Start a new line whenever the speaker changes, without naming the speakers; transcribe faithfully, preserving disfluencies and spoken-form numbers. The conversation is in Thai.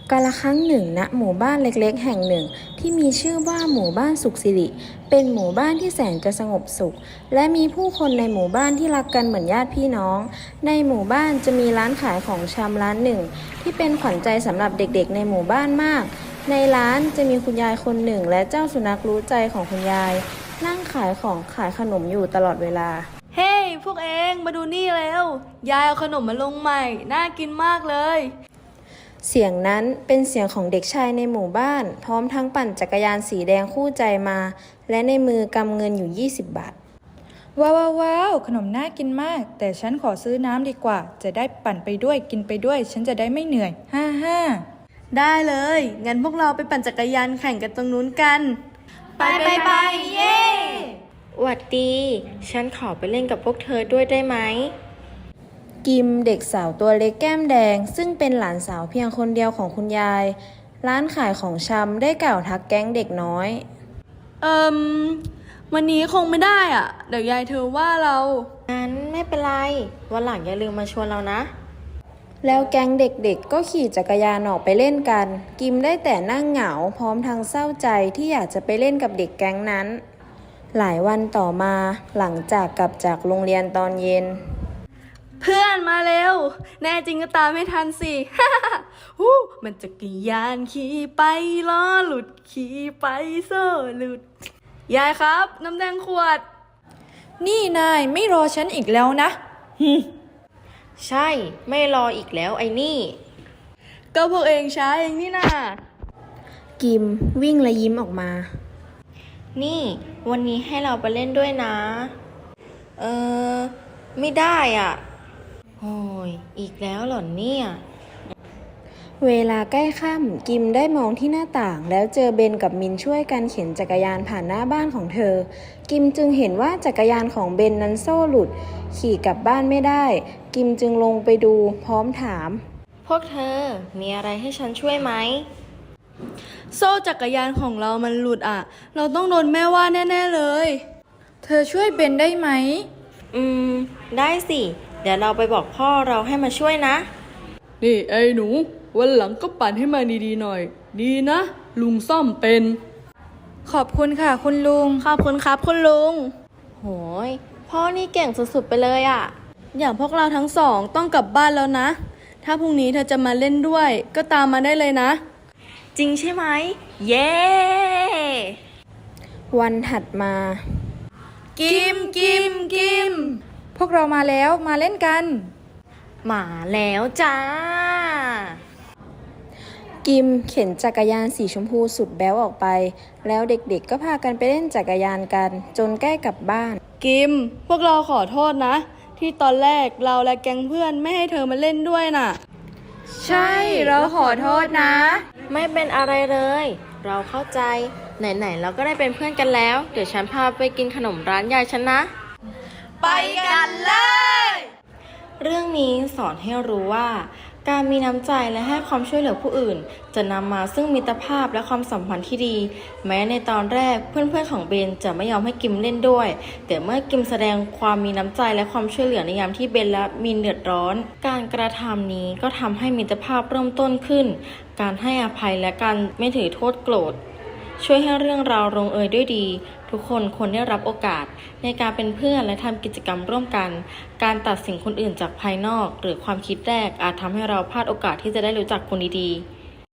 กาลครั้งหนึ่งณหมู่บ้านเล็กๆแห่งหนึ่งที่มีชื่อว่าหมู่บ้านสุขสิริเป็นหมู่บ้านที่แสนจะสงบสุขและมีผู้คนในหมู่บ้านที่รักกันเหมือนญาติพี่น้องในหมู่บ้านจะมีร้านขายของชำร้านหนึ่งที่เป็นขวัญใจสำหรับเด็กๆในหมู่บ้านมากในร้านจะมีคุณยายคนหนึ่งและเจ้าสุนัขรู้ใจของคุณยายนั่งขายของขายขนมอยู่ตลอดเวลา
เฮ้ hey, พวกเองมาดูนี่แล้วยายเอาขนมมาลงใหม่น่ากินมากเลย
เสียงนั้นเป็นเสียงของเด็กชายในหมู่บ้านพร้อมทั้งปั่นจักรยานสีแดงคู่ใจมาและในมือกำเงินอยู่ยี่สิบบาท
ว้าวว้าวขนมน่ากินมากแต่ฉันขอซื้อน้ำดีกว่าจะได้ปั่นไปด้วยกินไปด้วยฉันจะได้ไม่เหนื่อยฮ่าฮ่า
ได้เลยงั้นพวกเราไปปั่นจักรยานแข่งกันตรงนู้นกันไปไปไปเย้
หวัดดีฉันขอไปเล่นกับพวกเธอด้วยได้ไหม
กิมเด็กสาวตัวเล็กแก้มแดงซึ่งเป็นหลานสาวเพียงคนเดียวของคุณยายร้านขายของชำได้กล่าวทักแก๊งเด็กน้อย
เอิมวันนี้คงไม่ได้อ่ะเดี๋ยวยายเธอว่าเรา
งั้นไม่เป็นไรวันหลังอย่าลืมมาชวนเรานะ
แล้วแก๊งเด็กๆก็ขี่จักรยานออกไปเล่นกันกิมได้แต่นั่งเหงาพร้อมทั้งเศร้าใจที่อยากจะไปเล่นกับเด็กแก๊งนั้นหลายวันต่อมาหลังจากกลับจากโรงเรียนตอนเย็น
เพื่อนมาเร็วแน่จริงก็ตามไม่ทันสิ ฮู้มันจักรยานขี่ไปล้อหลุดขี่ไปโซ่หลุดยายครับน้ำแดงขวด
นี่นายไม่รอฉันอีกแล้วนะฮึ
ใช่ไม่รออีกแล้วไอ้นี่
ก็พวกเองช้าเองนี่นา
กิมวิ่งและยิ้มออกมา
นี่วันนี้ให้เราไปเล่นด้วยนะเออไม่ได้อ่ะโอ้ยอีกแล้วเหรอเนี่ย
เวลาใกล้ค่ำกิมได้มองที่หน้าต่างแล้วเจอเบนกับมินช่วยกันเข็นจักรยานผ่านหน้าบ้านของเธอกิมจึงเห็นว่าจักรยานของเบนนั้นโซ่หลุดขี่กลับบ้านไม่ได้กิมจึงลงไปดูพร้อมถาม
พวกเธอมีอะไรให้ฉันช่วยไหม
โซ่จักรยานของเรามันหลุดอ่ะเราต้องโดนแม่ว่าแน่ๆเลย
เธอช่วยเบนได้ไหม
อืมได้สิเดี๋ยวเราไปบอกพ่อเราให้มาช่วยนะ
นี่ไอ้หนูวันหลังก็ปั่นให้มาดีๆหน่อยดีนะลุงซ่อมเป็น
ขอบคุณค่ะคุณลุง
ขอบคุณครับคุณลุง
โหยพ่อนี่เก่งสุดๆไปเลยอ่ะ
อย่างพวกเราทั้งสองต้องกลับบ้านแล้วนะถ้าพรุ่งนี้เธอจะมาเล่นด้วยก็ตามมาได้เลยนะ
จริงใช่ไหมเย้
วันถัดมา
กิมกิมกิม
พวกเรามาแล้วมาเล่นกัน
มาแล้วจ้า
กิมเข็นจักรยานสีชมพูสุดแบ๊วออกไปแล้วเด็กๆก็พากันไปเล่นจักรยานกันจนใกล้กลับบ้าน
กิมพวกเราขอโทษนะที่ตอนแรกเราและแก๊งเพื่อนไม่ให้เธอมาเล่นด้วยน่ะ
ใช่เราขอโทษนะ
ไม่เป็นอะไรเลยเราเข้าใจไหนๆเราก็ได้เป็นเพื่อนกันแล้วเดี๋ยวฉันพาไปกินขนมร้านยายฉันนะ
ไปกันเลย
เรื่องนี้สอนให้รู้ว่าการมีน้ำใจและให้ความช่วยเหลือผู้อื่นจะนำมาซึ่งมิตรภาพและความสัมพันธ์ที่ดีแม้ในตอนแรกเพื่อนๆของเบนจะไม่ยอมให้กิมเล่นด้วยแต่เมื่อกิมแสดงความมีน้ำใจและความช่วยเหลือในยามที่เบนและมินเดือดร้อนการกระทำนี้ก็ทำให้มิตรภาพเริ่มต้นขึ้นการให้อภัยและการไม่ถือโทษโกรธช่วยให้เรื่องราวลงเอยด้วยดีทุกคนควรได้รับโอกาสในการเป็นเพื่อนและทำกิจกรรมร่วมกันการตัดสินคนอื่นจากภายนอกหรือความคิดแรกอาจทำให้เราพลาดโอกาสที่จะได้รู้จักคนดีๆ